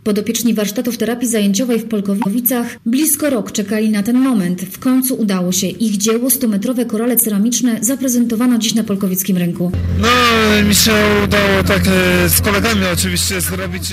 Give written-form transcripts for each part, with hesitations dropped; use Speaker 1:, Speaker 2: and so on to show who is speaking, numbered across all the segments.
Speaker 1: Podopieczni warsztatów terapii zajęciowej w Polkowicach blisko rok czekali na ten moment. W końcu udało się. Ich dzieło, 100-metrowe korale ceramiczne, zaprezentowano dziś na polkowickim rynku.
Speaker 2: No, mi się udało tak z kolegami oczywiście zrobić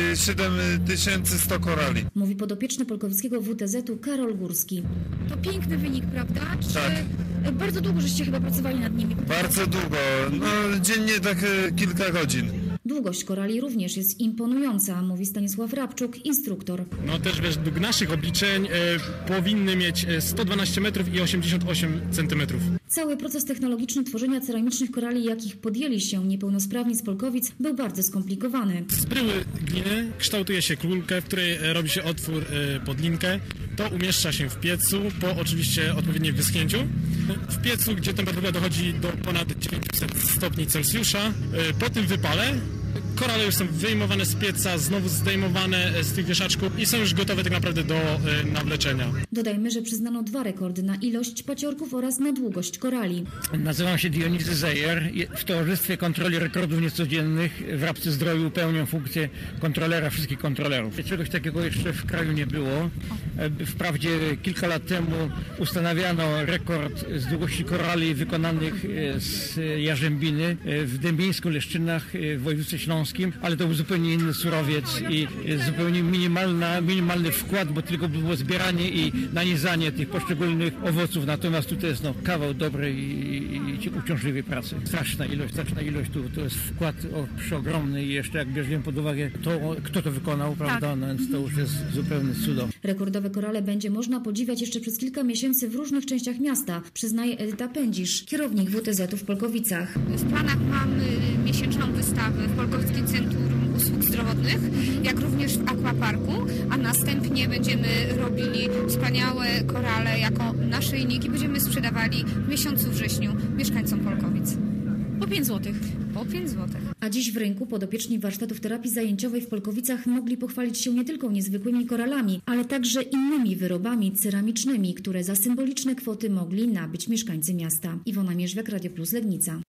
Speaker 2: 7100 korali.
Speaker 1: Mówi podopieczny polkowickiego WTZ-u Karol Górski.
Speaker 3: To piękny wynik, prawda? Czy
Speaker 2: Tak.
Speaker 3: bardzo długo żeście chyba pracowali nad nimi?
Speaker 2: Bardzo długo, no dziennie tak kilka godzin.
Speaker 1: Długość korali również jest imponująca, mówi Stanisław Rabczuk, instruktor.
Speaker 4: No też według naszych obliczeń powinny mieć 112 metrów i 88 centymetrów.
Speaker 1: Cały proces technologiczny tworzenia ceramicznych korali, jakich podjęli się niepełnosprawni z Polkowic, był bardzo skomplikowany.
Speaker 4: Z bryły gliny kształtuje się kulkę, w której robi się otwór pod linkę. To umieszcza się w piecu po oczywiście odpowiednim wyschnięciu. W piecu, gdzie temperatura dochodzi do ponad 900 stopni Celsjusza. Po tym wypale korale już są wyjmowane z pieca, znowu zdejmowane z tych wieszaczków i są już gotowe tak naprawdę do nawleczenia.
Speaker 1: Dodajmy, że przyznano 2 rekordy na ilość paciorków oraz na długość korali.
Speaker 5: Nazywam się Dionizy Zejer. W Towarzystwie Kontroli Rekordów Niecodziennych w Rabce Zdroju pełnię funkcję kontrolera wszystkich kontrolerów. Czegoś takiego jeszcze w kraju nie było. Wprawdzie kilka lat temu ustanawiano rekord z długości korali wykonanych z jarzębiny w Dębieńsku-Leszczynach w województwie śląskim, ale to był zupełnie inny surowiec i zupełnie minimalny wkład, bo tylko było zbieranie i nanizanie tych poszczególnych owoców. Natomiast tutaj jest kawał dobrej i uciążliwej pracy. Straszna ilość. To jest wkład przeogromny i jeszcze jak bierzemy pod uwagę to, kto to wykonał, prawda, no więc to już jest zupełny cudo.
Speaker 1: Rekordowe korale będzie można podziwiać jeszcze przez kilka miesięcy w różnych częściach miasta, przyznaje Edyta Pędzisz, kierownik WTZ-u w Polkowicach.
Speaker 3: W planach mamy miesięczną wystawę w Polkowickim Centrum Usług Zdrowotnych, jak również w Aquaparku, a następnie będziemy robili wspaniałe korale jako naszyjniki. Będziemy sprzedawali w miesiącu wrześniu mieszkańcom Polkowic.
Speaker 1: Po 5 zł.
Speaker 3: Po 5 zł.
Speaker 1: A dziś w rynku podopieczni warsztatów terapii zajęciowej w Polkowicach mogli pochwalić się nie tylko niezwykłymi koralami, ale także innymi wyrobami ceramicznymi, które za symboliczne kwoty mogli nabyć mieszkańcy miasta. Iwona Mierzwiak, Radio Plus Legnica.